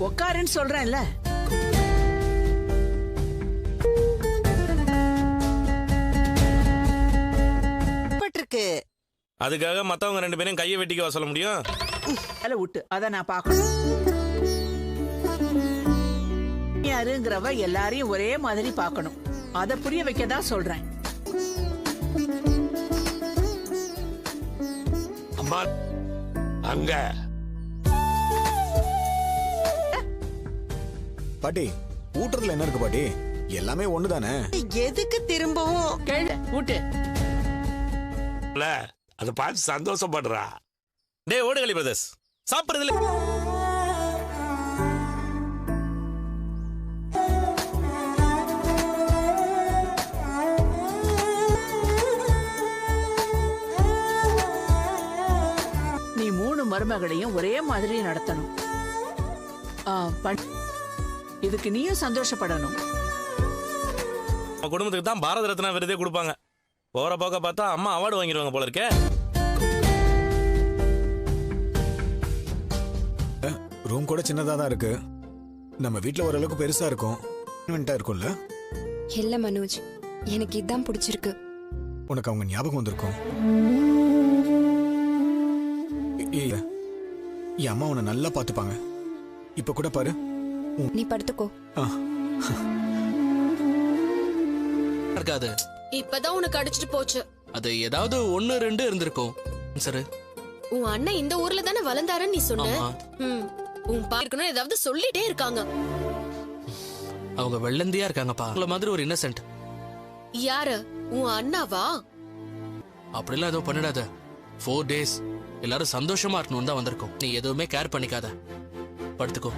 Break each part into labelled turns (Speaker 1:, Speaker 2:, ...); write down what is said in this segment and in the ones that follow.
Speaker 1: உக்காருன்னு சொல்றேன்ல.
Speaker 2: பட்டிருக்கு.
Speaker 3: அதுக்காக மத்தவங்க 2 பேரையும் கையை வெட்டிக்க சொல்ல முடியும்?
Speaker 1: அல விட்டு அத நான் பாக்கணும். யாருங்கிறவ எல்லாரையும் ஒரே மாதிரி பாக்கணும். அத புரிய வைக்கதான் சொல்றேன்.
Speaker 4: அம்மா அங்க
Speaker 5: பாட்டி ஊட்டுறதுல என்ன இருக்கு பாட்டி? எல்லாமே ஒண்ணுதானே.
Speaker 2: எதுக்கு திரும்பவும்
Speaker 1: கேளு ஊட்டு.
Speaker 4: அதை பார்த்து சந்தோஷப்படுறா.
Speaker 3: டேய் ஓடுகளி பிரதர்ஸ், சாப்பிடுறதுல
Speaker 1: நீ 3 மருமகளையும் ஒரே மாதிரி நடத்தணும். இதுக்கு நீயும் சந்தோஷப்படணும்.
Speaker 3: குடும்பத்துக்கு தான் பாரத ரத்னா விருதே கொடுப்பாங்க. போற போக்க பார்த்தா அம்மா அவார்டு வாங்கிடுவாங்க போல இருக்கே.
Speaker 5: ரூம் கூட சின்னதா தான் இருக்கு. நம்ம வீட்ல ஓரளவுக்கு பெருசா இருக்கும். இருக்கும்ல?
Speaker 6: இல்ல மனோஜ், எனக்கு இதான் பிடிச்சிருக்கு.
Speaker 5: உனக்கு அவங்க ஞாபகம் வந்திருக்கும். என் அம்மா உன்னை நல்லா பாத்துப்பாங்க. இப்ப கூட பாரு.
Speaker 6: நீ படுத்துக்கோ.
Speaker 7: இருக்காது.
Speaker 8: இப்பதான் உனக்கு அடிச்சிட்டு போச்சு.
Speaker 7: அது ஏதாவது 1 2 இருந்திருக்கும். சரி,
Speaker 8: உன் அண்ணன் இந்த ஊர்ல தானே வளர்ந்தாருன்னு நீ சொன்ன. உன் பாக்கணும் ஏதாவது சொல்லிட்டே இருக்காங்க.
Speaker 7: அவங்க வெள்ளந்தியா இருக்காங்கப்பா. உங்கள மாதிரி ஒரு இன்னசென்ட்.
Speaker 8: யாரு? உன் அண்ணாவா?
Speaker 7: அப்படிலாம் ஏதோ பண்ணிடாத. 4 days எல்லாரும் சந்தோஷமா இருக்கணும் தான் வந்திருக்கோம். நீ எதுவுமே கேர் பண்ணிக்காத. படுத்துக்கோ.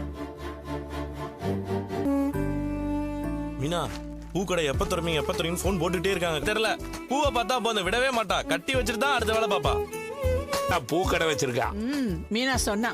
Speaker 3: மீனா, பூக்கடை எப்ப துறமீங்க எப்ப துறமீங்க போன் போட்டுட்டே இருக்காங்க. தெரியல, பூவை பார்த்தா போதும் விடவே மாட்டா. கட்டி வச்சுட்டு தான் அடுத்த வேலை பாப்பா.
Speaker 4: பூக்கடை வச்சிருக்கா.
Speaker 1: மீனா சொன்னா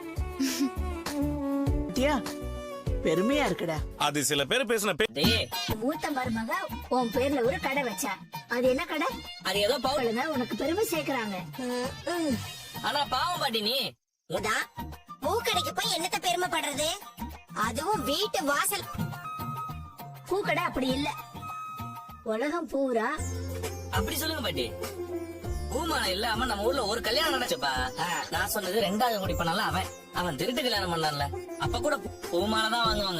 Speaker 1: பெருமையா இருக்குடா.
Speaker 3: அது சில பேர் பேசின
Speaker 9: மூத்த மருமக உன் பேர்ல ஒரு கடை வச்சா. அது என்ன கடை?
Speaker 10: அது ஏதோ
Speaker 9: பாவலுங்க உனக்கு பெருமை சேர்க்கறாங்க.
Speaker 10: ஆனா பாவம் பாட்டி நீ
Speaker 9: பூக்கடைக்கு போய் என்னத்த பெருமைப்படுறது? அதுவும் வீட்டு வாசல். பூக்கடை அப்படி இல்ல, உலகம் பூரா.
Speaker 10: அப்படி சொல்லுங்க பாட்டி. பூமாலை இல்லாம நம்ம ஊர்ல ஒரு கல்யாணம் நடந்துச்சுப்பா. நான் சொன்னது 2வது முடி பண்ணல. அவன் திருட்டு கல்யாணம் பண்ணல. அப்ப கூட பூமாலை தான் வாங்குவாங்க.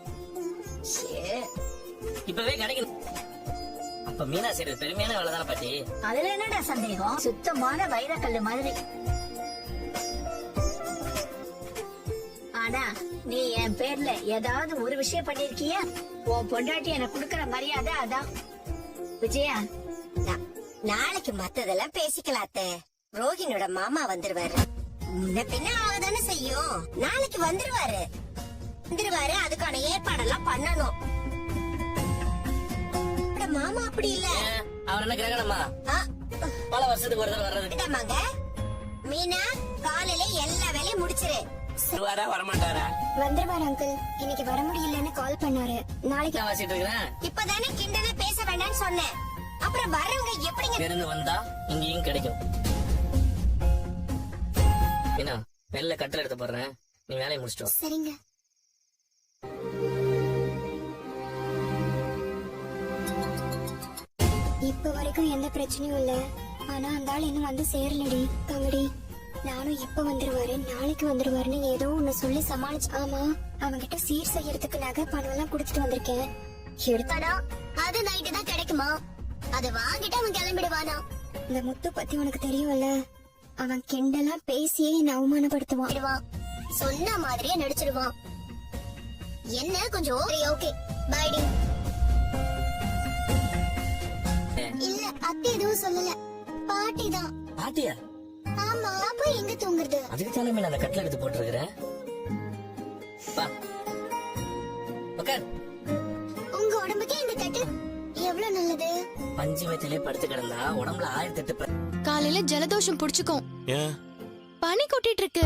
Speaker 10: இப்பவே கிடைக்கும். அப்ப மீனா செய்யறது பெருமையான வேலை தானே பாட்டி.
Speaker 9: அதுல என்னடா சந்தேகம்? சுத்தமான வைரக்கல்லு மாதிரி. ஆனா நீ என் பேர்ல ஏதாவது ஒரு விஷயம் பண்ணிருக்கியா? உன் பொண்டாட்டி எனக்கு குடுக்கற மரியாதை அதான். விஜயா, நாளைக்கு மத்ததெல்லாம் பேசிக்கலாத்த. ரோஹினோட மாமா வந்துருவாரு. முன்ன பின்ன ஆகதானே செய்யும். நாளைக்கு வந்துருவாரு. அதுக்கான ஏற்பாடெல்லாம் பண்ணணும். மாமா அப்படி இல்ல.
Speaker 10: அவர் என்ன கிரகணமா? பல வருஷத்துக்கு ஒரு தடவை வர்றது.
Speaker 9: மீனா, காலையில எல்லா வேலையும் முடிச்சிரு.
Speaker 10: வரமாட்டாரா?
Speaker 9: வந்துருவாரு அங்கிள். இன்னைக்கு வர முடியலன்னு கால் பண்ணாரு. நாளைக்கு
Speaker 10: வாசிட்டு இருக்கிறேன்.
Speaker 9: இப்பதானே கிண்டல பேச வேண்டாம்னு சொன்னேன். அப்புறம் வரவங்க எப்படிங்க
Speaker 10: இருந்து வந்தா இங்கேயும் கிடைக்கும். மீனா, வெளில கட்டல் எடுத்து போடுறேன். நீ வேலையை முடிச்சிட்டோம்.
Speaker 9: சரிங்க. இப்ப வரைக்கும் எந்த பிரச்சனையும் இல்ல. ஆனா அந்த ஆள் இன்னும் வந்து சேரலடி. தங்கடி, நானும் இப்ப வந்துருவாரு நாளைக்கு வந்துருவாருன்னு ஏதோ ஒண்ணு சொல்லி சமாளிச்சு. ஆமா, அவங்கிட்ட சீர் செய்யறதுக்கு நகை பணம் எல்லாம் குடுத்துட்டு வந்திருக்கேன். எடுத்தாடா. அது நைட்டு தான் கிடைக்குமா? அத வாங்கிட்டு அவன் கிளம்பிடுவானா? இந்த முத்து பத்தி உனக்கு தெரியும்ல. அவன் கிண்டெல்லாம் பேசியே என்ன அவமானப்படுத்துவான். சொன்ன மாதிரியே நடிச்சிடுவான். என்ன கொஞ்சம் ஓகே பைடி. இல்ல அத்தை எதுவும் சொல்லல. பாட்டி தான்.
Speaker 10: பாட்டியா?
Speaker 9: ஆமா, அப்ப எங்க தூங்குறது?
Speaker 10: அதுக்கு தானே மீன் அந்த கட்டில எடுத்து போட்டுருக்கிறேன்.
Speaker 9: உங்க உடம்புக்கு இந்த கட்டு எவ்வளவு நல்லது.
Speaker 10: பஞ்சு மெத்திலே படுத்து கிடந்தா உடம்புல 1008.
Speaker 8: காலையில ஜலதோஷம் புடிச்சுக்கும். பனி கொட்டிட்டு இருக்கு.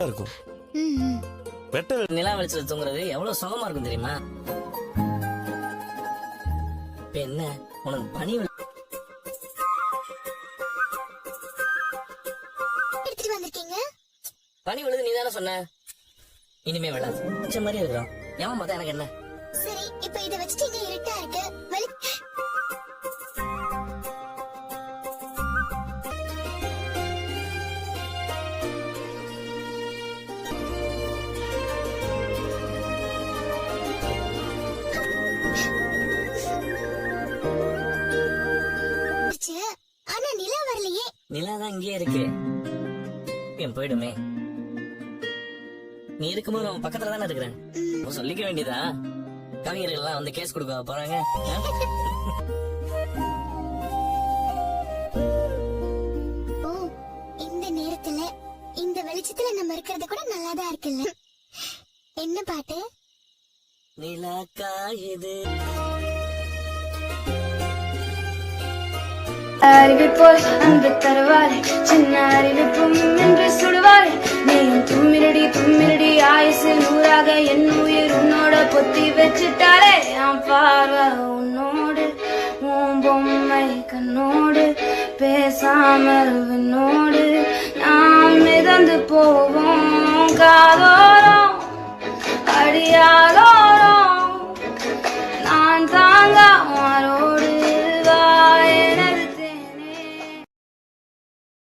Speaker 10: நிலா வெளிச்சல தூங்குறது எவ்வளவு சுகமா இருக்கும் தெரியுமா? என்ன உனக்கு பனி
Speaker 9: எடுத்துட்டு வந்திருக்கீங்க?
Speaker 10: பனி விழுது நீ தானே சொன்ன. இனிமே விழாது பிடிச்ச மாதிரி இருக்கிறோம் ஏன் பார்த்தா எனக்கு என்ன
Speaker 9: சரி இப்ப இத வச்சுட்டு இங்க இருட்டா இருக்கு ஆனா நிலா வரலையே.
Speaker 10: நிலாதான் இங்கே இருக்கு என் போயிடுமே. நீ இருக்கும்போது அவன் பக்கத்துல தானே இருக்கிறேன். சொல்லிக்க வேண்டியதா கவிஞர்கள் எல்லாம் வந்து கேஸ் கொடுக்க போறாங்க.
Speaker 9: ஓ இந்த நேரத்துல இந்த வெளிச்சத்துல நம்ம இருக்கிறது கூட நல்லாதான் இருக்குல்ல. என்ன பாட்டு?
Speaker 10: நிலா காயுது
Speaker 11: அறிவிப்போல் அன்பு தருவாரு சின்ன அறிவிப்பும் என்று சுடுவாரு. நீ தும்மிரடி தும்மிரடி ஆயுசு நூறாக என் உயிர் உன்னோட பொத்தி வச்சுட்டாரே. என் பார்வை உன்னோடு உன் பொம்மை கண்ணோடு பேசாமல் விண்ணோடு நாம் மிதந்து போவோம் காதோரம் அடியார்